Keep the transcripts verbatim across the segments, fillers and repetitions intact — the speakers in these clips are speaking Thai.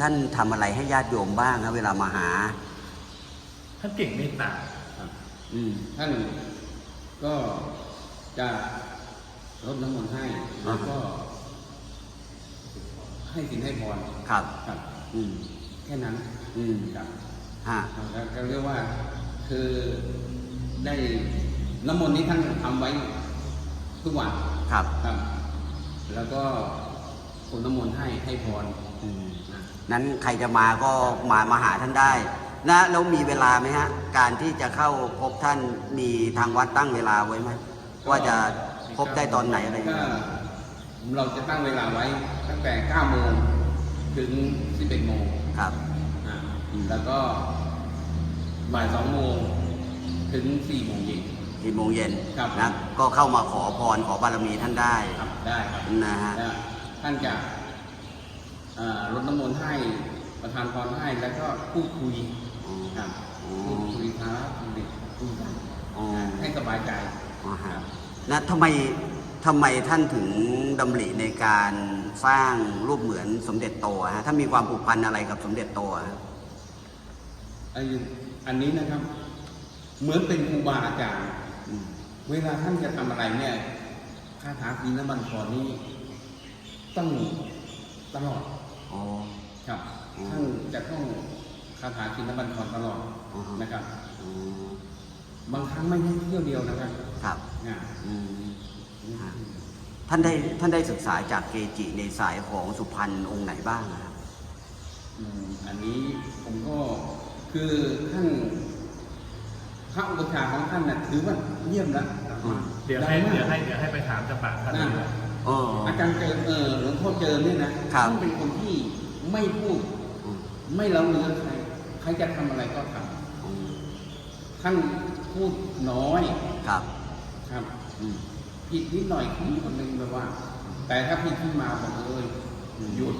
ท่านทำอะไรให้ญาติโยมบ้างครับเวลามาหาท่านเก่งเมตตาครับท่านก็จะรดน้ำมนต์ให้แล้วก็ให้สินให้พรครับครับอืมแค่นั้นอืมครับฮะแล้วก็เรียกว่าคือได้น้ำมนต์นี้ท่านทำไว้ทุกวันครับครับแล้วก็คนน้ำมนต์ให้ให้พรนั้นใครจะมาก็มามาหาท่านได้นะแล้วมีเวลาไหมฮะการที่จะเข้าพบท่านมีทางวัดตั้งเวลาไว้ไหมว่าจะพบได้ตอนไหนอะไรอย่างเงี้ยเราจะตั้งเวลาไว้ตั้งแต่เก้าโมงถึงสิบเอ็ดโมงครับแล้วก็บ่ายสองโมงถึงสี่โมงเย็นสี่โมงเย็นนะก็เข้ามาขอพรขอบารมีท่านได้ครับได้ครับนะฮะท่านจะรดน้ำมนต์ให้ประทานพรให้แล้วก็พูดคุยครับพูดคุยท้าคุยคุยกันให้สบายใจนะทำไมทำไมท่านถึงดำริในการสร้างรูปเหมือนสมเด็จโตฮะถ้ามีความผูกพันอะไรกับสมเด็จโตฮะอันนี้นะครับเหมือนเป็นครูบาอาจารย์เวลาท่านจะทำอะไรเนี่ยคาถาปีนบัญชรนี้ต้องตลอดอ๋อครับท่านจะต้องคาถาปีนบัญชรตลอดนะครับบางครั้งไม่ใช่เที่ยวเดียวนะครับครับท่านได้ท่านได้ศึกษาจากเกจิในสายของสุพรรณองค์ไหนบ้างครับอันนี้ผมก็คือท่านพระอุปชาของท่านน่ะถือว่าเยี่ยมแล้วเดี๋ยวให้เดี๋ยวให้เดี๋ยวให้ไปถามจากปากท่านอาจารย์เจอเออหลวงพ่อเจอเนี่ยนะท่านเป็นคนที่ไม่พูดไม่เล่าเนื้อใครใครจะทำอะไรก็ทำท่านพูดน้อยครับครับผิดนิดหน่อยคนคนหนึ่งแบบว่าแต่ถ้าผิดขึ้นมาบอกเลยหยุด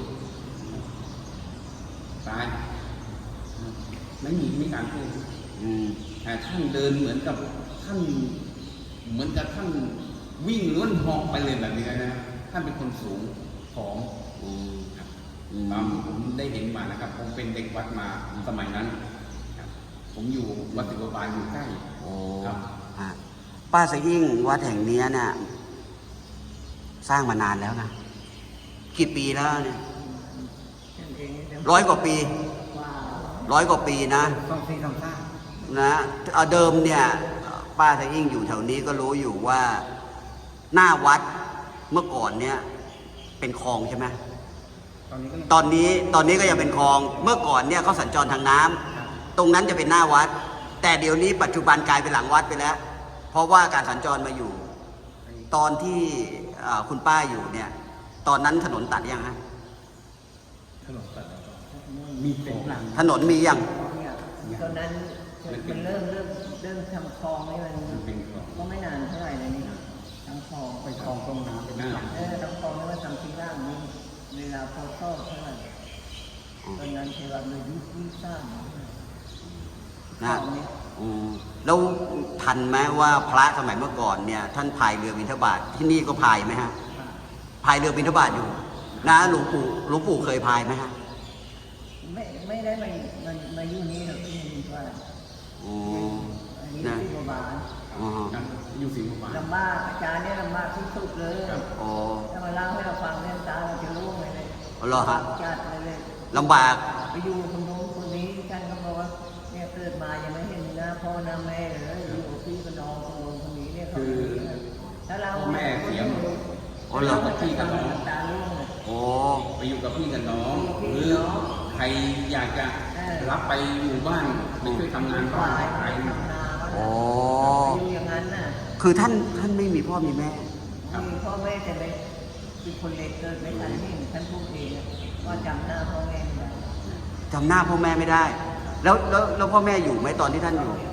ตายไม่มีไม่การพูดแต่ท่านเดินเหมือนกับท่านเหมือนกับท่านวิ่งล้วนหอกไปเลยแบบนี้นะท่านเป็นคนสูงของตามผมได้เห็นมานะครับผมเป็นเด็กวัดมาสมัยนั้นผมอยู่วัดติวบาลอยู่ใกล้ครับป้าสะยิ่งวัดแห่งนี้เนี่ยสร้างมานานแล้วนะกี่ปีแล้วเนี่ยร้อยกว่าปีร้อยกว่าปีนะนะเดิมเนี่ยป้าสะยิ่งอยู่แถวนี้ก็รู้อยู่ว่าหน้าวัดเมื่อก่อนเนี่ยเป็นคลองใช่ไหมตอนนี้ตอนนี้ก็ยังเป็นคลองเมื่อก่อนเนี่ยเขาสัญจรทางน้ำตรงนั้นจะเป็นหน้าวัดแต่เดี๋ยวนี้ปัจจุบันกลายเป็นหลังวัดไปแล้วเพราะว่าการสัญจรมาอยู่ตอนที่คุณป้าอยู่เนี่ยตอนนั้นถนนตัดยังฮะถนนตัดมีเป็นหลังถนนมียังตอนนั้นมันเริ่มเริ่มเริ่มทำคลองนี่มันก็ไม่นานเท่าไหร่เลยนี่ทำคลองไปคลองตรงน้ำเป็นหลังเออทำคลองแล้วว่าทำที่ล่างนี้เวลาพอเข้าเท่าไหร่ตอนนั้นเทวาเลยยุคที่สร้างนะแล้วทันไหมว่าพระสมัยเมื่อก่อนเนี่ยท่านพายเรือบิณฑบาตที่นี่ก็พายไหมฮะพายเรือบิณฑบาตอยู่นะหลวงปู่หลวงปู่เคยพายไหมฮะไม่ไม่ได้มามันมาอยู่นี้หรอกที่นี่ว่าอ๋อนะที่บาลอ๋ออยู่สิงคโปร์ลำบากอาจารย์เนี่ยลำบากที่สุดเลยอ๋อถ้ามาเล่าให้เราฟังเนี่ยตาเราจะรู้เลยเลยอ๋อเหรอฮะจัดเลยลำบากไปอยู่คนโน้นคนนี้ท่านก็บอกว่าเนี่ยเกิดมายังไม่เห็นหน้าพ่อหน้าแม่เลยอยู่กับพี่กับน้องคนโน้นคนนี้เนี่ยเขาถ้าเราแม่เสียอ๋อเหรอพี่กับน้องโอ้ไปอยู่กับพี่กับน้องหรือใครอยากจะรับไปอยู่บ้านไปช่วยทำงานบ้านใครอ๋ออยู่อย่างนั้นน่ะคือท่านท่านไม่มีพ่อมีแม่มีพ่อแม่แต่ไม่คือคนเล็กเกิดไม่ทันที่ท่านพูดเองว่าจำหน้าพ่อแม่ไม่ได้จำหน้าพ่อแม่ไม่ได้แล้วแล้วแล้วพ่อแม่อยู่ไหมตอนที่ท่านอยู่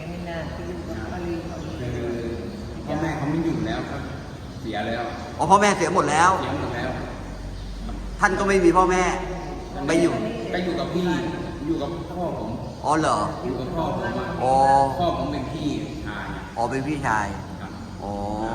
พ่อแม่เขาไม่อยู่แล้วครับเสียแล้วอ๋อพ่อแม่เสียหมดแล้วเสียหมดแล้วท่านก็ไม่มีพ่อแม่ไปอยู่ไปอยู่กับพี่อยู่กับพ่อผมอ๋อเหรออยู่กับพ่อผมอ๋อพ่อผมเป็นพี่ชายอ๋อเป็นพี่ชายอ๋อ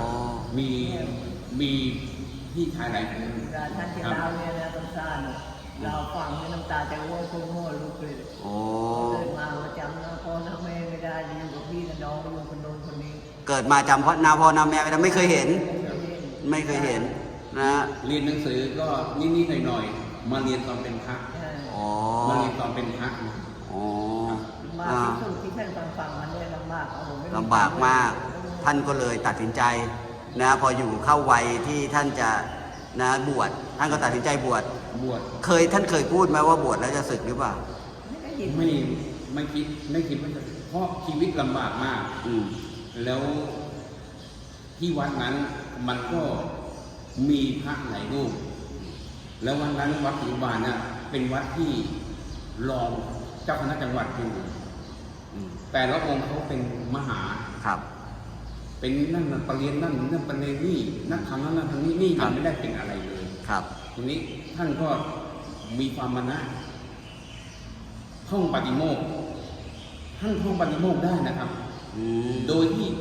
มีมีพี่ชายหลายคนท่านจะเล่าเนี่ยนะต้นซ่านเราฟังให้น้ำตาจะร่วงคงหัวลุกเลยโอ้เกิดมามาจำนะพ่อนะแม่ไม่ได้อยู่กับพี่กับน้องอยู่คนโน้นคนนี้เกิดมาจำพ่อนาพ่อนาแม่ไม่ได้ไม่เคยเห็น ไม่เคยเห็นนะเรียนหนังสือก็นิดๆหน่อยๆมาเรียนตอนเป็นพระอ๋อมาเรียนตอนเป็นพระนะอ๋อมาอ่าที่สุดที่ท่านฟังฟังมันเนี่ยลำบากเอาผมไม่มีลำบากมาก ท่านก็เลยตัดสินใจนะพออยู่เข้าวัยที่ท่านจะนะบวชท่านก็ตัดสินใจบวชบวชเคยท่านเคยพูดไหมว่าบวชแล้วจะสึกหรือเปล่าไม่ได้ยินไม่ไม่คิดไม่คิดว่าจะเพราะชีวิตลำบากมากอืมแล้วที่วัดนั้นมันก็มีพระหลายรูป แล้ววันนั้นวัดศรีอุบาลน่ะเป็นวัดที่รองเจ้าคณะจังหวัดอยู่อืมแต่ละองค์เขาเป็นมหาครับเป็นนั่นน่ะประเรียนนั่นนั่นประเรียนนี่นักทำนั่นนั่นทำนี่นี่ครัยับงไม่ได้เป็นอะไรเลยครับทีนี้ท่านก็มีความมานะท่องปฏิโมกข์ท่านท่องปฏิโมกข์ได้นะครับอืมโดยที่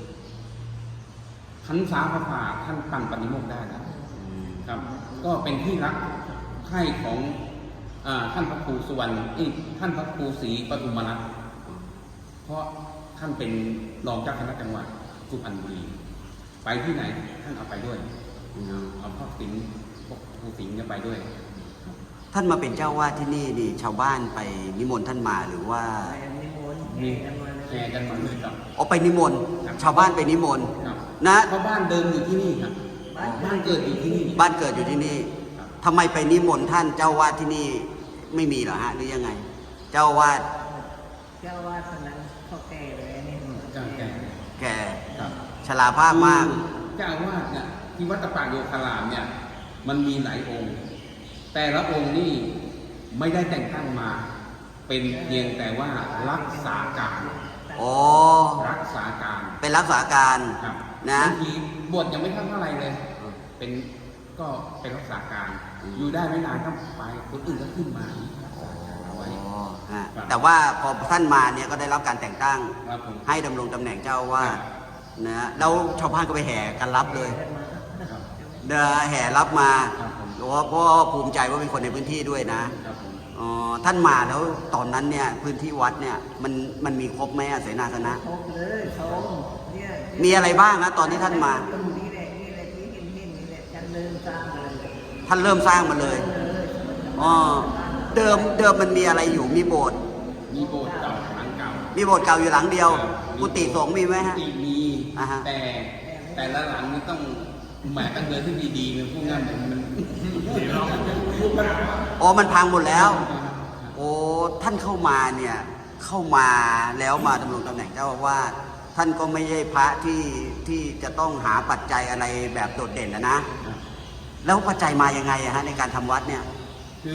ขันสาพระป่าท่านตั้งปฏิโมกข์ได้นะอืมครับ ก็เป็นที่รักใคร่ของอาท่านพระครูสุวรรณเอ้ยท่านพระครูศรีปทุมรัตน์เพราะท่านเป็นรองเจ้าคณะจังหวัดสุพรรณบุรี ไปที่ไหนท่านเอาไปด้วยอืมเอาพ่อสิงห์พวกครูสิงห์จะไปด้วยท่านมาเป็นเจ้าวาดที่นี่นี่ชาวบ้านไปนิมนต์ท่านมาหรือว่าไปนิมนต์มีแห่กันมาแชร์กันมาเลยครับเอาไปนิมนต์ครับชาวบ้านไปนิมนต์ครับนะเพราะบ้านเดิมอยู่ที่นี่ครับบ้านเกิดอยู่ที่นี่บ้านเกิดอยู่ที่นี่ครับทำไมไปนิมนต์ท่านเจ้าวาดที่นี่ไม่มีเหรอฮะหรือยังไง เจ้าวาดเจ้าวาดคนนั้นเขาแก่เลยนี่เจ้าแก่แก่ครับชราภาพมากเจ้าอาวาสเนี่ยที่วัดตะปาโยคารามเนี่ย มันมีหลายองค์ แต่ละองค์นี่ไม่ได้แต่งตั้งมา เป็นเพียงแต่ว่ารักษาการอ๋อรักษาการเป็นรักษาการครับนะบางทีบวชยังไม่ทันเท่าไหร่เลย เป็นก็เป็นรักษาการ อยู่ได้ไม่นานก็ไปคนอื่นก็ขึ้นมารักษาการเอาไว้อ๋อฮะครับแต่ว่าพอท่านมาเนี่ยก็ได้รับการแต่งตั้งครับผมให้ดำรงตำแหน่งเจ้าอาวาครัดบนะแล้วชาวบ้านก็ไปแห่กันรับเลยครับเดินแห่รับมาครับผมเพราะว่าเพราะว่าภูมิใจว่าเป็นคนในพื้นที่ด้วยนะครับผมอ๋อท่านมาแล้วตอนนั้นเนี่ยพื้นที่วัดเนี่ยมันมันมีครบไหมอะเสนาสนะครบเลยชมเนี่ยมีอะไรบ้างนะตอนที่ท่านมาตรงนี้แหละนี่แหละที่เห็นเห็นนี่แหละฉันเริ่มสร้างเลยท่านเริ่มสร้างมาเลยเลยอ๋อเดิมเดิมมันมีอะไรอยู่มีโบสถ์มีโบสถ์เก่าหลังเก่ามีโบสถ์เก่าอยู่หลังเดียวครับกุฏิสงฆ์มีไหมฮะกุฏิมีอ่าฮะแต่แต่ละหลังนี่ต้องแหมต้องเดินที่ดีๆเลยพวกนั้นมันมันอ๋อมันพังหมดแล้ว โอ้ท่านเข้ามาเนี่ยเข้ามาแล้วมาดำรงตำแหน่งเจ้าอาวาสท่านก็ไม่ใช่พระที่ที่จะต้องหาปัจจัยอะไรแบบโดดเด่นนะนะ แล้วปัจจัยมายังไงอะฮะในการทำวัดเนี่ยคือ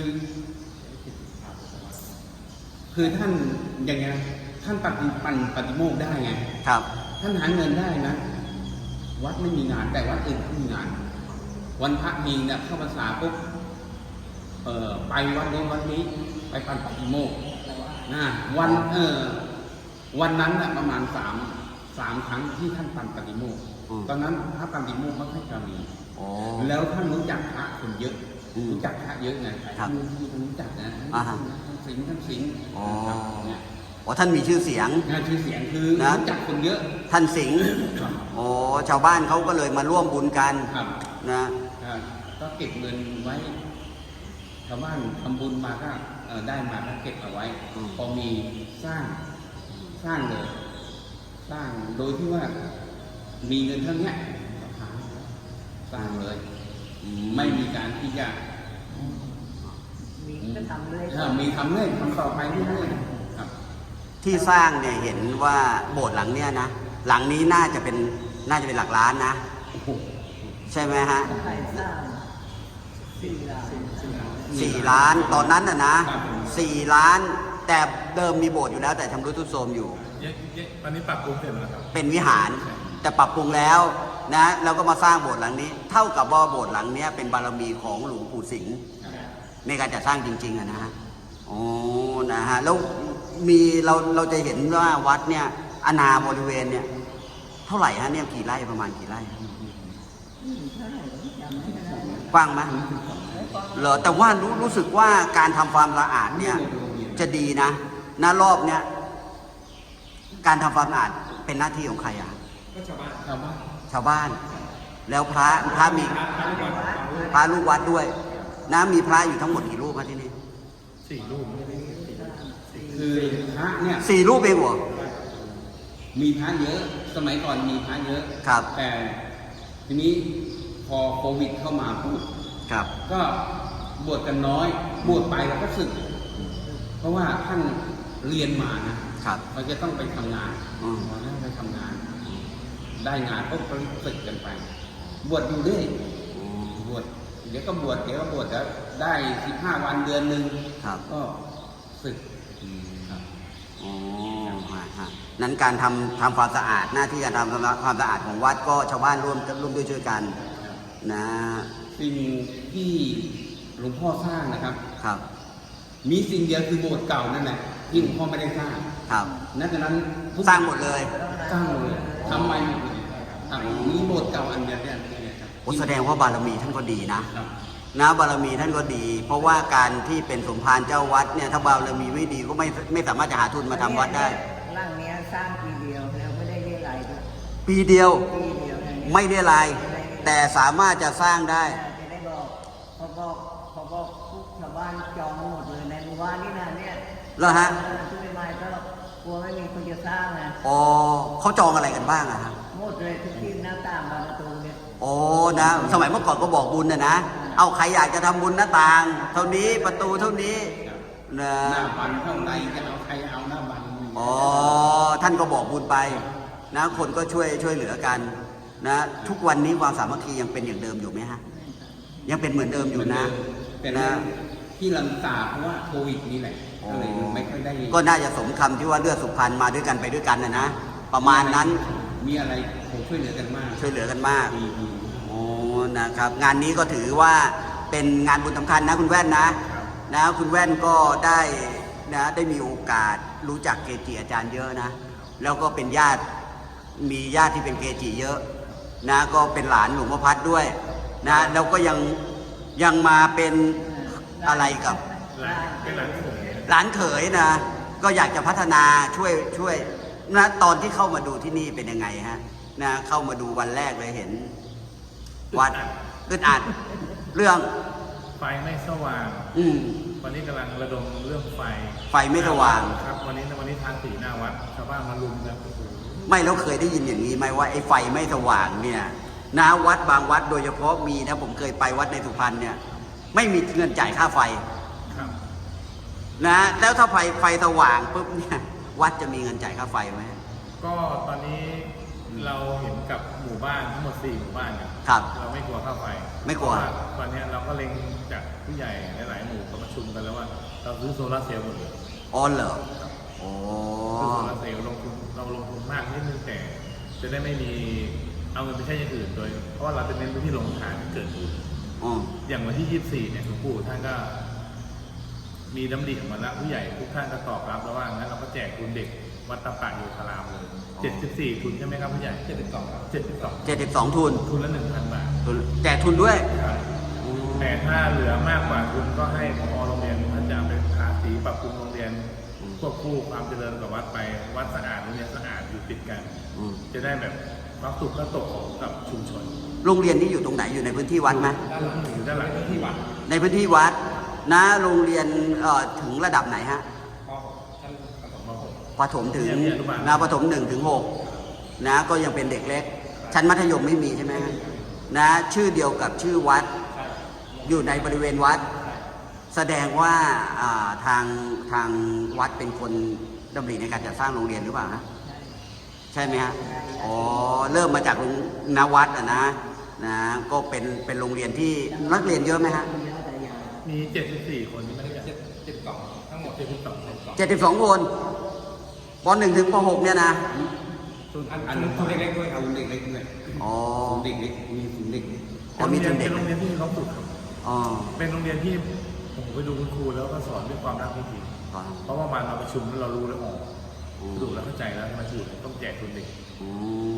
คือท่านอย่างไงนะท่านปฏิปันปฏิโมกข์ได้ไงครับท่านหาเงินได้นะ วัดไม่มีงานแต่วัดอื่นเขามีงาน วันพระมีเนี่ยเข้าพรรษาปุ๊บเอ่อไปวัดโน้นวัดนี้ ไปปันปฏิโมกข์นะวันเออวันนั้นน่ะประมาณสามสามครั้งที่ท่านปันปฏิโมกข์อืมตอนนั้นพระปันปฏิโมกข์ไม่ค่อยจะมีอ๋อแล้วท่านรู้จักพระคนเยอะอืมรู้จักพระเยอะไงครับท่านรู้จักนะอ่าฮะท่านสิงห์ท่านสิงห์อ๋อครับเนี่ยอ๋อท่านมีชื่อเสียงงานชื่อเสียงคือนะรู้จักคนเยอะท่านสิงห์ครับอ๋อชาวบ้านเขาก็เลยมาร่วมบุญกันครับนะอ่าก็เก็บเงินไว้ชาวบ้านทำบุญมาก็เอ่อได้มาก็เก็บเอาไว้ พอมีสร้างสร้างเลย สร้างโดยที่ว่ามีเงินเท่าเนี้ยสร้างเลย ไม่มีการที่จะมีก็ทำเลยเอ่อมีทำเรื่อยทำต่อไปเรื่อยๆครับที่สร้างเนี่ยเห็นว่าโบสถ์หลังเนี่ยนะหลังนี้น่าจะเป็นน่าจะเป็นหลักล้านนะโอ้โหใช่ไหมฮะใครสร้างสี่ล้านสี่ล้านตอนนั้นน่ะนะสี่ล้าน แต่เดิมมีโบสถ์อยู่แล้วแต่ชำรุดทรุดโทรมอยู่เยอะเยอะตอนนี้ปรับปรุงเสร็จแล้วครับเป็นวิหารแต่ปรับปรุงแล้วนะแล้วก็มาสร้างโบสถ์หลังนี้ เท่ากับว่าโบสถ์หลังเนี้ยเป็นบารมีของหลวงปู่สิงห์ในการจัดสร้างจริงๆอะนะฮะโอ้นะฮะแล้วมีเราเราจะเห็นว่าวัดเนี่ยอาณาบริเวณเนี่ยเท่าไหร่ฮะเนี่ยกี่ไร่ประมาณกี่ไร่นใช่จำไม่ได้กว้างไหมเหรอแต่ว่ารู้รู้สึกว่าการทำความสะอาดเนี่ย จะดีนะณรอบเนี้ยการทำความสะอาดเป็นหน้าที่ของใครอ่ะก็ชาวบ้านชาวบ้านชาวบ้าน แล้วพระพระมีพระลูกวัดด้วยนะมีพระอยู่ทั้งหมดกี่รูปครับที่นี่สี่รูปคือพระเนี่ยสี่รูปเองเหรอมีพระเยอะ สมัยก่อนมีพระเยอะครับแต่ทีนี้พอโควิดเข้ามาปุ๊บครับก็บวชกันน้อย บวชไปแล้วก็สึก เพราะว่าท่านเรียนมานะครับ เขาจะต้องไปทำงานอืมพอท่านไปทำงาน ได้งานก็ไปสึกกันไป บวชอยู่เรื่อยบวชเดี๋ยวก็บวชเดี๋ยวก็บวชแล้วได้สิบห้าวันเดือนหนึ่งครับก็สึกครับอ๋อฮะฮะนั้นการทำทำความสะอาดหน้าที่การทำความสะอาดของวัดก็ชาวบ้านร่วมร่วมด้วยช่วยกันนะสิ่งที่หลวงพ่อสร้างนะครับครับมีสิ่งเดียวคือโบสถ์เก่านั่นแหละที่หลวงพ่อไม่ได้สร้างครับนั่นฉะนั้นทุกสร้างหมดเลยสร้างหมดเลยทำไมหมดเลยครับมีโบสถ์เก่าอันเดียวเนี่ยครับโอ้แสดงว่าบารมีท่านก็ดีนะครับนะบารมีท่านก็ดี เพราะว่าการที่เป็นสมภารเจ้าวัดเนี่ยถ้าบารมีไม่ดีก็ไม่ไม่สามารถจะหาทุนมาทำวัดได้ร่างเนี้ยสร้างปีเดียวแล้วไม่ได้เรียรายด้วยปีเดียวปีเดียวนะเนี่ยไม่ได้ลาย แต่สามารถจะสร้างได้จะได้บอกเขาบอกเขาบอกทุกชาวบ้านจองหมดเลยในหมู่บ้านนี่นะเนี่ยแล้วฮะช่วยไม่ก็กลัวไม่มีคนจะสร้างนะอ๋อเขาจองอะไรกันบ้างอะฮะหมดเลยทุกที่หน้าต่างบานประตูเนี่ยโอ้นะ สมัยเมื่อก่อนก็บอกบุญนะนะ เอาใครอยากจะทำบุญหน้าต่าง เท่านี้ประตูเท่านี้นะหน้าบันเท่าไรจะเอาใครเอาหน้าบันอ๋อท่านก็บอกบุญไปนะคนก็ช่วยช่วยเหลือกันนะทุกวันนี้ความสามัคคียังเป็นอย่างเดิมอยู่ไหมฮะยังเป็นเหมือนเดิมอยู่นะแต่นะที่ลำตาเพราะว่าโควิดนี่แหละก็เลยไม่ค่อยได้ก็น่าจะสมคำที่ว่าเลือดสุพรรณมาด้วยกันไปด้วยกันนะนะประมาณนั้นมีอะไรผมช่วยเหลือกันมากช่วยเหลือกันมากมีมีโอ้นะครับ งานนี้ก็ถือว่าเป็นงานบุญสำคัญนะคุณแว่นนะนะคุณแว่นก็ได้นะได้มีโอกาสรู้จักเกจิอาจารย์เยอะนะ แล้วก็เป็นญาติมีญาติที่เป็นเกจิเยอะนะก็เป็นหลานหลวงพ่อพัดด้วยนะแล้วก็ยังยังมาเป็นอะไรกับหลานเป็นหลานเขยหลานเขยนะ ก็อยากจะพัฒนาช่วยช่วยนะตอนที่เข้ามาดูที่นี่เป็นยังไงฮะนะเข้ามาดูวันแรกเลยเห็น วัดอึดอัดเรื่องไฟไม่สว่างอืมวันนี้กำลังระดมเรื่องไฟไฟไม่สว่างครับ วันนี้วันนี้ทางสีหน้าวัดชาวบ้านมารุมกันโอ้โหไม่แล้วเคยได้ยินอย่างนี้ไหมว่าไอ้ไฟไม่สว่างเนี่ยนะวัดบางวัดโดยเฉพาะมีนะผมเคยไปวัดในสุพรรณเนี่ย ไม่มีเงินจ่ายค่าไฟครับนะแล้วถ้าไฟไฟสว่างปุ๊บเนี่ยวัดจะมีเงินจ่ายค่าไฟไหมก็ตอนนี้เราเห็นกับหมู่บ้านทั้งหมดสี่หมู่บ้านเนี่ยครับเราไม่กลัวค่าไฟไม่กลัวเพราะาตอนนี้เราก็เล็งจากผู้ใหญ่หลายๆหมู่ก็ประชุมกันแล้วว่า เราซื้อโซลาร์เซลล์หมดเลยอ๋อเหรอโอ้ซื้อโซลาร์เซลล์ลงทุนเราลงทุนมากนิดนึงแต่จะได้ไม่มีเอาเงินไปใช้อย่างอื่นโดย เพราะว่าเราจะเน้นไปที่โรงทานที่เกิดบุญอ๋ออย่างวันที่ยี่สิบสี่เนี่ยหลวงปู่ท่านก็ มีดำริออกมาแล้วผู้ใหญ่ทุกท่านก็ตอบรับแล้วว่างั้นเราก็แจกทุนเด็กวัดตะปะโยธารามเลยเจ็ดสิบสี่ทุนใช่ไหมครับผู้ใหญ่เจ็ดสิบสองครับเจ็ดสิบสองเจ็ดสิบสองทุนทุนละหนึ่งพันบาททุนแจกทุนด้วยครับแต่ถ้าเหลือมากกว่าทุนก็ให้พอโรงเรียนท่านจะเอาไปทาสีปรับปรุงโรงเรียนควบคู่ความเจริญกับวัดไปวัดสะอาดโรงเรียนสะอาดอยู่ติดกันอืมจะได้แบบความสุขและตกของกับชุมชนโรงเรียนนี้อยู่ตรงไหนอยู่ในพื้นที่วัดไหมด้านหลังอยู่ด้านหลังที่วัดในพื้นที่วัดนะโรงเรียนเอ่อถึงระดับไหนฮะท่านประถมมาหกประถมถึงเรียนอนุบาลนะประถมหนึ่งถึงหกนะก็ยังเป็นเด็กเล็ก ชั้นมัธยมไม่มีใช่ไหมฮะนะชื่อเดียวกับชื่อวัด อยู่ในบริเวณวัด แสดงว่าอ่าทางทางวัดเป็นคนดำริในการจัดสร้างโรงเรียนหรือเปล่านะใช่ไหมฮะอ๋อเริ่มมาจากโรงนวัดอ่ะนะนะก็เป็นเป็นโรงเรียนที่นักเรียนเยอะไหมฮะมีเจ็ดสิบสี่คนที่ไม่ได้จัดเจ็ดสิบสองทั้งหมดเจ็ดสิบสองเจ็ดสิบสองคนปหนึ่งถึงปหกเนี่ยนะอันอันศูนย์เด็กเล็กด้วยเอาศูนย์เด็กเล็กด้วยอ๋อศูนย์เด็กเล็กมีศูนย์เด็กเล็กอ๋อมีทุนเด็เป็กนโรงเรียนที่มีความสุขครับอ๋อเป็นโรงเรียนที่ผมไปดูคุณครูแล้วก็สอนด้วยความรักจริงอ๋อๆเพราะว่ามาเราประชุมแล้วเรารู้แล้วอ๋ออืมดูแล้วเข้าใจแล้วทำไมถูกต้องแจกทุนเด็กอืม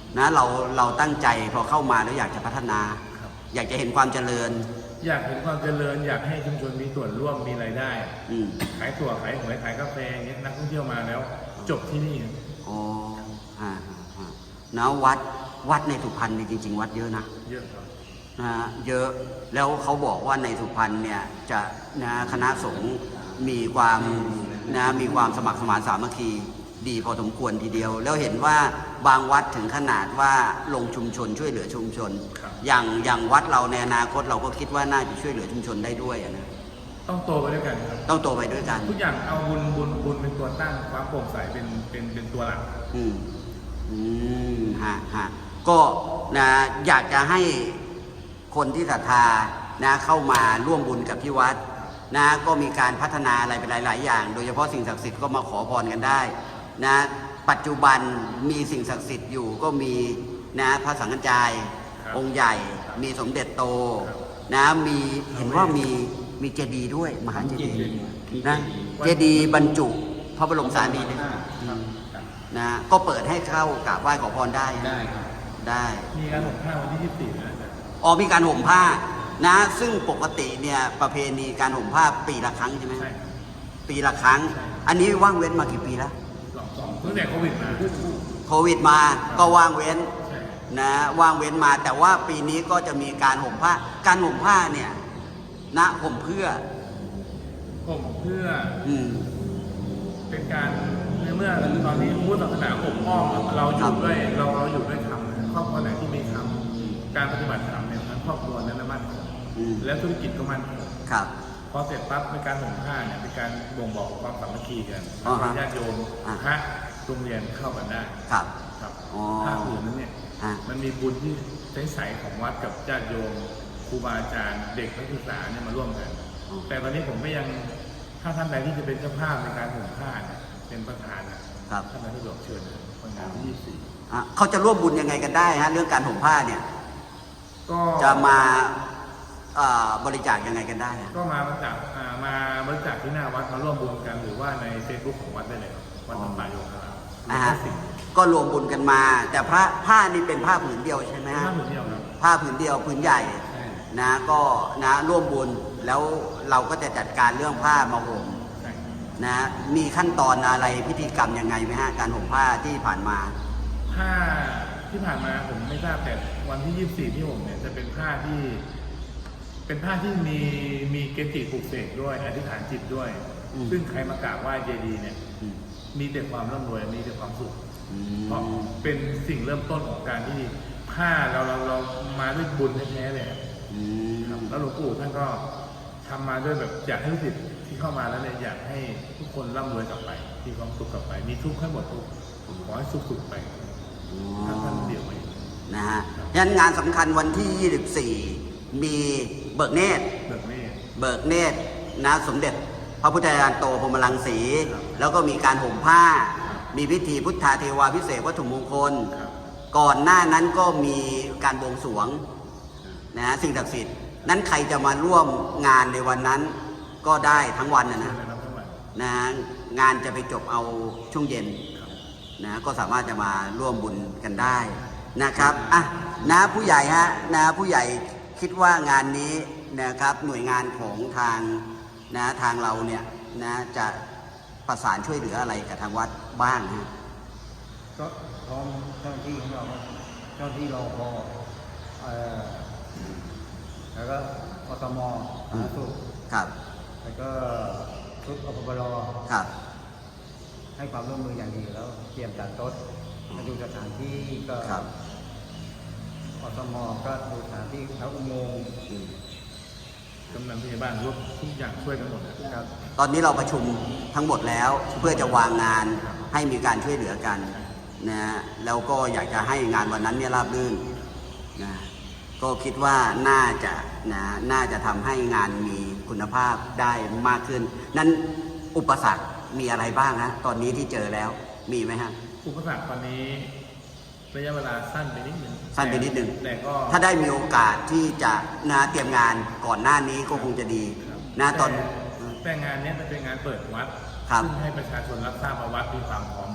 นะเราเราตั้งใจพอเข้ามาแล้วอยากจะพัฒนาครับอยากจะเห็นความเจริญอยากเห็นความเจริญอยากให้ชุมชนมีส่วนร่วมมีรายได้อืมขายถั่วขายหวยขายกาแฟอย่างเงี้ยนักท่องเที่ยวมาแล้ว จบที่นี่ครับอ๋อฮะฮะฮะนะวัดวัดในสุพรรณนี่จริง ๆ วัดเยอะนะเยอะครับนะฮะเยอะแล้วเขาบอกว่าในสุพรรณเนี่ยจะนะคณะสงฆ์มีความนะมีความสมัครสมานสามัคคีดีพอสมควรทีเดียว แล้วเห็นว่าบางวัดถึงขนาดว่าลงชุมชนช่วยเหลือชุมชนครับอย่างอย่างวัดเราในอนาคตเราก็คิดว่าน่าจะช่วยเหลือชุมชนได้ด้วยอะนะต้องโตไปด้วยกันครับต้องโตไปด้วยกันทุกอย่างเอาบุญบุญบุญเป็นตัวตั้งความโปร่งใสเป็นเป็นเป็นตัวหลักอืมอืมฮะฮะก็นะอยากจะให้คนที่ศรัทธานะเข้ามาร่วมบุญกับที่วัดนะก็มีการพัฒนาอะไรไปหลาย ๆ อย่าง โดยเฉพาะสิ่งศักดิ์สิทธิ์ก็มาขอพรกันได้นะปัจจุบันมีสิ่งศักดิ์สิทธิ์อยู่ก็มีนะพระสังฆจายครับองค์ใหญ่ มีสมเด็จโตครับนะมีเห็นว่ามีมีเจดีย์ด้วยมหาเจดีย์มีนะเจดีย์เจดีย์บรรจุพระบรมสารีริกธาตุครับครับนะก็เปิดให้เข้ากราบไหว้ขอพรได้ได้ครับได้มีการห่มผ้าวันที่ยี่สิบสี่นะอาจารย์อ๋อมีการห่มผ้านะซึ่งปกติเนี่ยประเพณีการห่มผ้าปีละครั้งใช่ไหมใช่ปีละครั้งใช่อันนี้ว่างเว้นมากี่ปีแล้วสองสองตั้งแต่โควิดมาโควิดมาก็ว่างเว้นใช่นะว่างเว้นมา แต่ว่าปีนี้ก็จะมีการห่มผ้า การห่มผ้าเนี่ยนะห่มเพื่อผมเพื่ออืมเป็นการในเมื่อตอนนี้พุทธศาสนาอบอ้อมเราอยู่ด้วยเราเราอยู่ด้วยธรรมนะครอบครัวไหนที่มีธรรมการปฏิบัติธรรมเนี่ยทั้งครอบครัวนั้นนะมั่นคงอืมแล้วธุรกิจก็มั่นคงครับพอเสร็จปั๊บในการห่มผ้าเนี่ยเป็นการบ่งบอกความสามัคคีกันอ่าฮะญาติโยมอ่าพระโรงเรียนเข้ากันได้ครับครับอ๋อผ้าผืนนั้นเนี่ยฮะมันมีบุญที่ใสๆของวัดกับญาติโยมครูบาอาจารย์เด็กนักศึกษาเนี่ยมาร่วมกันอ๋อแต่ตอนนี้ผมก็ยังถ้าท่านใดที่จะเป็นเจ้าภาพในการห่มผ้าเนี่ยเป็นประธานนะครับ ท่านนายสะดวกเชิญนะวันงานที่ยี่สิบสี่อ่ะเขาจะร่วมบุญยังไงกันได้ฮะเรื่องการห่มผ้าเนี่ยก็จะมาเอ่อบริจาคยังไงกันได้ฮะก็มาบริจาคอ่ามาบริจาคที่หน้าวัดมาร่วมบุญกันหรือว่าในเฟซบุ๊กของวัดได้เลยครับวัดธรรมโยคารามอ่าแล้ฮะวสิ่งก็รวมบุญกันมา แต่พระผ้านี่เป็นผ้าผืนเดียวใช่ไหมฮะผ้าผืนเดียวครับผ้าผืนเดียวผืนใหญ่ใช่นะก็นะร่วมบุญแล้วเราก็จะจัดการเรื่องผ้ามาห่มใช่นะมีขั้นตอนอะไรพิธีกรรมยังไงไหมฮะการห่มผ้าที่ผ่านมาผ้าที่ผ่านมาผมไม่ทราบแต่วันที่ยี่สิบสี่ที่ผมเนี่ยจะเป็นผ้าที่ เป็นผ้าที่มีมีเกจิปลุกเสกด้วยอธิษฐานจิตด้วยอืมซึ่งใครมากราบไหว้เจดีย์เนี่ยอืมมีแต่ความร่ำรวยมีแต่ความสุขอืเพราะมเป็นสิ่งเริ่มต้นของการที่ผ้าเราเราเรามาด้วยบุญแท้ๆเลยอืครับมแล้วหลวงปู่ท่านก็ทำมาด้วยแบบอยากให้ลูกศิษย์ที่เข้ามาแล้วเนี่ยอยากให้ทุกคนร่ำรวยกลับไปมีความสุขกลับไป มีทุกข์ให้หมดทุกข์ขอให้สุขสุขไปอ๋ท่านท่านอเดียวไว้นะฮะยันงานสำคัญวันที่ ยี่สิบสี่ มีเบิกเนตรเบิกเนตรเบิกเนตรนะสมเด็จพระพุทธจารย์โตพรหมรังสีครับแล้วก็มีการห่มผ้าครับมีพิธีพุทธาเทวาพิเศษกวัตถุมงคลครับก่อนหน้านั้นก็มีการบวงสรวงนะฮะสิ่งศักดิ์สิทธิ์นั้นใครจะมาร่วมงานในวันนั้นก็ได้ทั้งวันนะเชิญนะเลยครับท่านวันนะฮะงานจะไปจบเอาช่วงเย็นครับนะก็สามารถจะมาร่วมบุญกันได้นะครับอ่ะนะผู้ใหญ่ฮะนะผู้ใหญ่คิดว่างานนี้นะครับหน่วยงานของทางนะทางเราเนี่ยนะจะประสานช่วยเหลืออะไรกับทางวัดบ้างฮะก็พร้อมเจ้าหน้าที่ของเราเจ้าหน้าที่รอพอเอ่อแล้วก็กทมสาธารณสุขครับแล้วก็ชุดอปปรครับให้ความร่วมมืออย่างดีแล้วเตรียมจัดโต๊ะมาดูสถานที่ก็ครับกทมก็ดูสถานที่แล้วอุโมงค์อืมกำนันผู้ใหญ่บ้านร่วมทุกอย่างช่วยกันหมดนะครับตอนนี้เราประชุมทั้งหมดแล้วเพื่อจะวางงานให้มีการช่วยเหลือกันนะแล้วก็อยากจะให้งานวันนั้นเนี่ยราบรื่นนะก็คิดว่าน่าจะนะน่าจะทำให้งานมีคุณภาพได้มากขึ้น นั้นอุปสรรคมีอะไรบ้างฮะตอนนี้ที่เจอแล้วมีไหมฮะอุปสรรคตอนนี้ระยะเวลาสั้นไปนิดนึงสั้นไปนิดนึงแต่ก็ถ้าได้มีโอกาสที่จะนะเตรียมงานก่อนหน้านี้ก็คงจะดีนะตอนแต่แต่งานเนี้ยมันเป็นงานเปิดวัดครับซึ่งให้ประชาชนรับทราบว่าวัดมีความพร้อมแล้วอ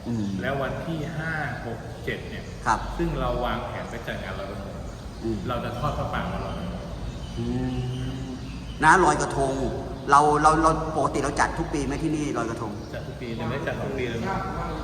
อืมแล้ววันที่ห้าหกเจ็ดเนี่ยครับซึ่งเราวางแผนไปจัดงานลอยกระทงอืมเราจะทอดพระป่ามาลอยกระทงอืมนะลอยกระทง เราเราเราปกติเราจัดทุกปีไหมที่นี่ลอยกระทงจัดทุกปีจะไม่ได้จัดทุกปีเลยนะ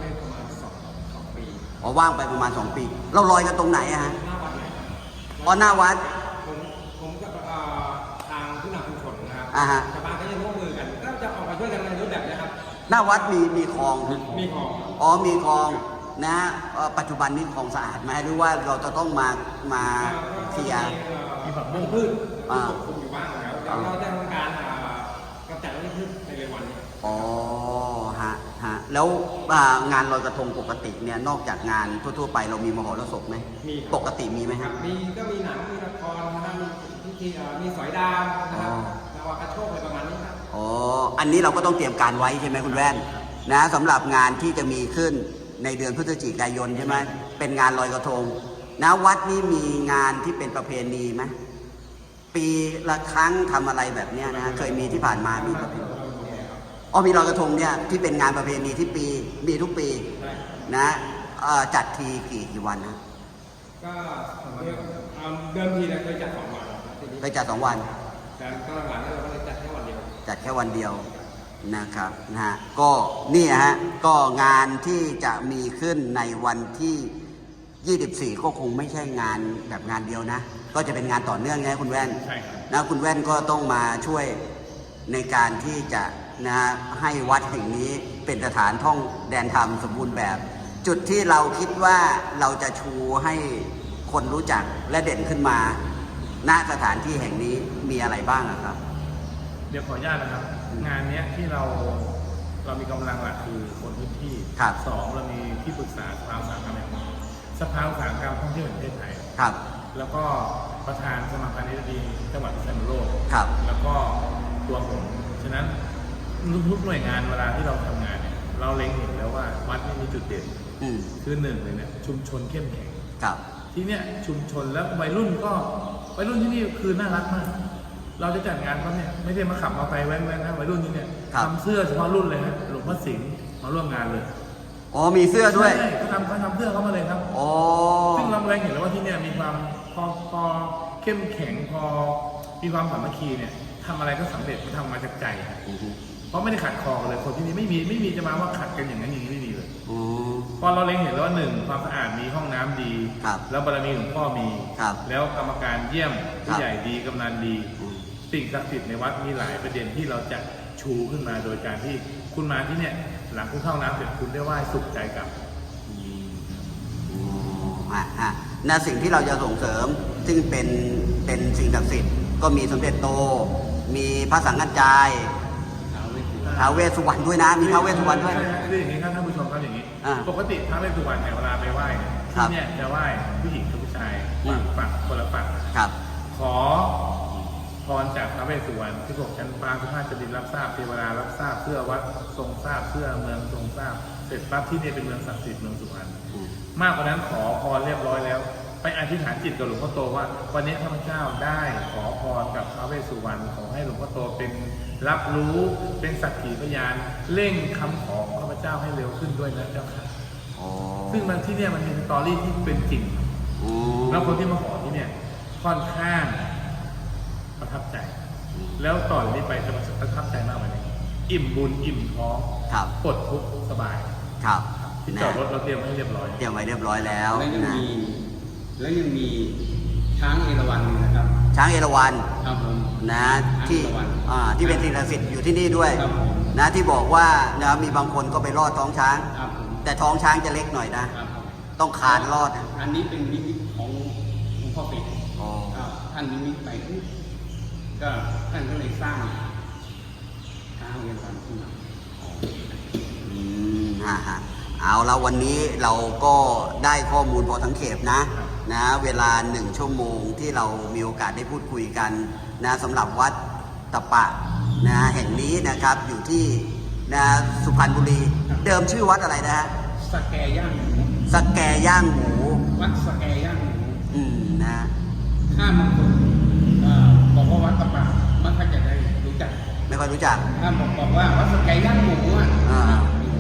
อ๋อว่างไปประมาณสองปี เราลอยกันตรงไหนอะฮะอ๋อหน้าวัดผมผมกับเอ่อทางผู้นำชุมชนนะครับอ่าฮะชาวบ้านก็จะร่วมมือกัน ก็จะออกมาช่วยกันในรูปแบบเนี้ยครับหน้าวัดมีมีคลองมีของอ๋อมีคลองนะเอ่อปัจจุบันนี้คลองสะอาดไหมหรือว่าเราจะต้องมามาเคลียร์มีผักบุ้งพืชอ่าปกคลุมอยู่บ้างแล้วเดี๋ยวเราจะทำการอ่ากำจัดวัชพืชในเร็ววันนี้อ๋อฮะฮะแล้วอ่างานลอยกระทงปกติเนี่ยนอกจากงานทั่วๆไปเรามีมหรสพไหมมีครับปกติมีไหมคครัรับบ มีก็มีหนังมีละครนะครับมีพิธีเอ่อมีสอยดาวนะครับอ๋อนาวากระโชกอะไรประมาณนี้ครับอ๋อ อันนี้เราก็ต้องเตรียมการไว้ใช่ไหมคุณแว่นนะสำหรับงานที่จะมีขึ้นในเดือนพฤศจิกายนใช่ไหมเป็นงานลอยกระทงนะวัดนี้มีงานที่เป็นประเพณีไหมปีละครั้งทำอะไรแบบเนี้ยนะเคยมีที่ผ่านมามีประเพณีอ๋อมีลอยกระทงเนี่ยที่เป็นงานประเพณีที่ปีมีทุกปีนะเอ่อจัดทีกี่กี่วันนะก็เดิมเอ่อเดิมทีเราเคยจัดสองวันครับทีนี้เคยจัดสองวันแต่ตอนหลังๆเราก็เลยจัดแค่วันเดียวจัดแค่วันเดียวนะครับนะฮะก็นี่ฮะก็งานที่จะมีขึ้นในวันที่ ยี่สิบสี่ ก็คงไม่ใช่งานแบบงานเดียวนะ ก็จะเป็นงานต่อเนื่องไงคุณแว่นใช่ครับนะคุณแว่นก็ต้องมาช่วยในการที่จะนะให้วัดแห่งนี้เป็นสถานท่องแดนธรรมสมบูรณ์แบบ จุดที่เราคิดว่าเราจะชูให้คนรู้จักและเด่นขึ้นมาณสถานที่แห่งนี้มีอะไรบ้างอะครับเดี๋ยวขออนุญาตนะครับ งานเนี้ยที่เราเรามีกำลังหลักคือคนพื้นที่ครับสองเรามีที่ปรึกษาสภาอุตสาหกรรมแห่งประเทศสภาอุตสาหกรรมท่องเที่ยวแห่งประเทศไทยครับแล้วก็ประธานสมาพันธ์นิรดีจังหวัดพิษณุโลกครับแล้วก็ตัวผมฉะนั้นทุกๆหน่วยงานเวลาที่เราทำงานเนี่ยเราเล็งเห็นแล้วว่าวัดนี่มีจุดเด่นอืมคือหนึ่งเลยเนี่ยชุมชนเข้มแข็งครับที่เนี่ยชุมชนแล้ววัยรุ่นก็วัยรุ่นที่นี่คือน่ารักมาก เราจะจัดงานเขาเนี่ยไม่ได้มาขับมาไปแว้นๆนะวัยรุ่นที่เนี่ยครับทำเสื้อเฉพาะรุ่นเลยฮะหลวงพ่อสิงห์มาร่วมงานเลยอ๋อมีเสื้อด้วยใช่เขาทำเขาทำเสื้อเขามาเลยครับอ๋อซึ่งเราแรงเห็นแล้วว่าที่เนี่ยมีความพอพอเข้มแข็งพอมีความสามัคคีเนี่ยทำอะไรก็สำเร็จมันทำมาจากใจครับอือฮึเพราะไม่ได้ขัดคอกันเลยคนที่นี่ไม่มีไม่มีจะมาว่าขัดกันอย่างนั้นอย่างนี้ไม่มีเลยอ๋อพอเราเล็งเห็นแล้วว่าหนึ่งความสะอาดมีห้องน้ำดีครับแล้วบารมีหลวงพ่อมีครับแล้วกรรมการเยี่ยมครัผู้บใหญ่ดีกำนันดีอืมสิ่งศักดิ์สิทธิ์ในวัดมีหลายประเด็นที่เราจะชูขึ้นมาโดยการที่คุณมาที่เนี่ยหลังคุณเข้าน้ำเสร็จคุณได้ไหว้สุขใจกลับอ๋อฮะฮะนะสิ่งที่เราจะส่งเสริม ซึ่งเป็นเป็นสิ่งศักดิ์สิทธิ์ก็มีสมเด็จโต มีพระสังฆจายท้าวเวสสุวรรณด้วยนะ มีท้าวเวสสุวรรณด้วยใช่ใช่คืออย่างนี้ครับท่านผู้ชมครับอย่างนี้อ่าปกติท้าวเวสสุวรรณเนี่ยเวลาไปไหว้เนี่ยครัที่บเนี่ยจะไหว้ผู้หญิงกับผู้ชายอืมฝั่งคนละฝั่งครับขอพรจากพระเวสสุวรรณที่บอกชั้นฟ้าทุกข้าจะดินรับทราบเทวดารับทราบเพื่อวัดทรงทราบเพื่อเมืองทรงทราบเสร็จปั๊บที่นี่เป็นเมืองศักดิ์สิทธิ์เมืองสุพรรณอืมมากกว่านั้นขอพรเรียบร้อยแล้ว ไปอธิษฐานจิตกับหลวงพ่อโตว่า วันนี้ข้าพเจ้าได้ขอพรกับพระเวสสุวรรณขอให้หลวงพ่อโตเป็นรับรู้เป็นสักขีพยานเร่งคำขอของข้าพเจ้าให้เร็วขึ้นด้วยนะเจ้าค่ะอ๋อซึ่งมันที่เนี่ยมันมีสตอรี่ที่เป็นจริงอืมแล้วคนที่มาขอที่เนี่ยค่อนข้างประทับใจ แล้วต่อจากนี้ไปจะประทับใจมากกว่านี้อิ่มบุญอิ่มท้องครับปลดทุกข์สบายครับที่นะจอดรถเราเตรียมไว้ให้เรียบร้อยเตรียมไว้เรียบร้อยแล้วแล้วยังนะมีแล้วยังมีช้างเอราวัณนะครับช้างเอราวัณครับผมนะที่ช้างเอราวัณอ่าที่เป็นสิ่งศักดิ์สิทธิ์อยู่ที่นี่ด้วยครับผมนะที่บอกว่านะมีบางคนก็ไปรอดท้องช้างครับผมแต่ท้องช้างจะเล็กหน่อยนะครับผมต้องคานรอดนะอันนี้เป็นนิมิตของหลวงพ่อเป็ดอ๋อครับท่านนิมิตไปปุ๊บก็ท่านก็เลยสร้างช้างเอราวัณขึ้นมาอืมฮะฮะเอาแล้ววันนี้เราก็ได้ข้อมูลพอทั้งเขตนะนะเวลาหนึ่งชั่วโมงที่เรามีโอกาสได้พูดคุยกันนะสำหรับวัดตะปะนะแห่งนี้นะครับอยู่ที่นะสุพรรณบุรี เดิมชื่อวัดอะไรนะฮะสแกย่างหมูสแกย่างหมูวัดสแกย่างหมูอืมนะถ้าบางคนเอ่อบอกว่าวัดตะปามันก็จะได้รู้จักไม่ค่อยรู้จักถ้าบอกบอกว่าวัดสแกย่างหมูอ่ะอ่า อ๋อ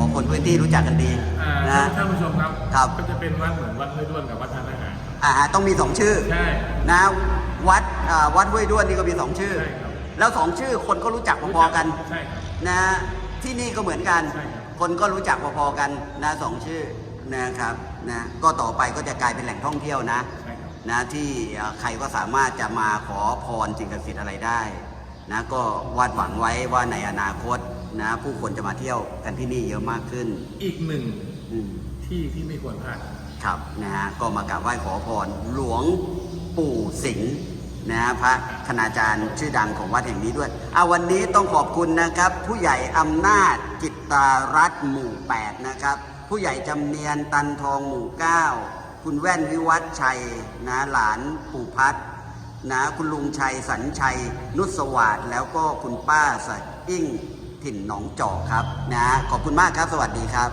คนพื้นที่รู้จักกันดีอ่านะท่านผู้ชมครับครับก็จะเป็นวัดเหมือนวัดห้วยด้วนกับวัดทานอาหารอ่าต้องมีสองชื่อใช่นะวัดอ่าวัดห้วยด้วนนี่ก็มีสองชื่อใช่ครับแล้วสองชื่อคนก็รู้จักพอๆกันใช่ครับนะที่นี่ก็เหมือนกันใช่ครับคนก็รู้จักพอๆกันนะสองชื่อนะครับนะก็ต่อไปก็จะกลายเป็นแหล่งท่องเที่ยวนะใช่ครับนะที่เอ่อใครก็สามารถจะมาขอพรสิ่งศักดิ์สิทธิ์อะไรได้นะก็วาดหวังไว้ว่าในอนาคตนะผู้คนจะมาเที่ยวกันที่นี่เยอะมากขึ้นอีกหนึ่งอืมที่ที่ไม่ควรพลาดครับนะฮะก็มากราบไหว้ขอพรหลวงปู่สิงห์นะฮะพระคณาจารย์ชื่อดังของวัดแห่งนี้ด้วยเอาวันนี้ต้องขอบคุณนะครับ ผู้ใหญ่อำนาจจิตตารัตน์หมู่แปดนะครับ ผู้ใหญ่จำเนียนตันทองหมู่เก้าคุณแว่นวิวัฒน์ชัยนะหลานปู่พัฒน์นะคุณลุงชัยสัญชัย นุสวัสดิ์แล้วก็คุณป้าสะอิ่งถิ่นหนองจอกครับนะขอบคุณมากครับสวัสดีครับ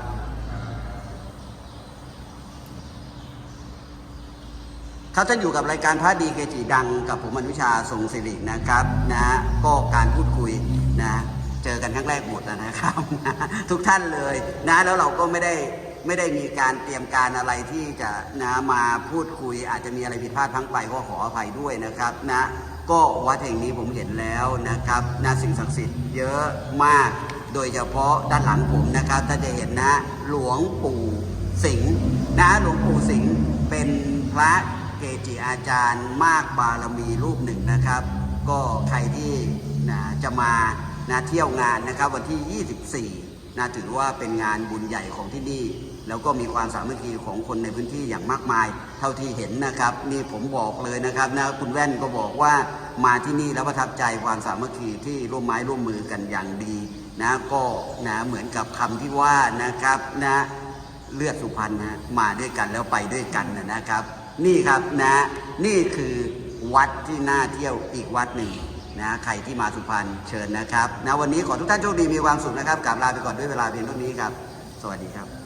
ครับท่านอยู่กับรายการพระดีเกจิดังกับผมอนุชาทรงศิรินะครับนะก็การพูดคุยนะเจอกันครั้งแรกหมดนะครับ นะทุกท่านเลยนะแล้วเราก็ไม่ได้ไม่ได้มีการเตรียมการอะไรที่จะนะมาพูดคุย อาจจะมีอะไรผิดพลาดพลั้งไปก็ขออภัยด้วยนะครับนะก็วัดแห่งนี้ผมเห็นแล้วนะครับนะสิ่งศักดิ์สิทธิ์เยอะมาก โดยเฉพาะด้านหลังผมนะครับถ้าจะเห็นนะหลวงปู่สิงห์นะหลวงปู่สิงห์เป็นพระเกจิอาจารย์มากบารมีรูปหนึ่งนะครับ ก็ใครที่นะจะมานะเที่ยวงานนะครับวันที่ ยี่สิบสี่นะถือว่าเป็นงานบุญใหญ่ของที่นี่ แล้วก็มีความสามัคคีของคนในพื้นที่อย่างมากมาย เท่าที่เห็นนะครับนี่ผมบอกเลยนะครับนะคุณแว่นก็บอกว่ามาที่นี่แล้วประทับใจความสามัคคีที่ร่วมไม้ร่วมมือกันอย่างดีนะก็นะเหมือนกับคำที่ว่านะครับนะเลือดสุพรรณนะมาด้วยกันแล้วไปด้วยกันนะครับ นี่ครับนะนี่คือวัดที่น่าเที่ยวอีกวัดหนึ่งนะใครที่มาสุพรรณเชิญนะครับนะวันนี้ขอทุกท่านโชคดีมีความสุขนะครับกราบลาไปก่อนด้วยเวลาเพียงเท่านี้ครับสวัสดีครับ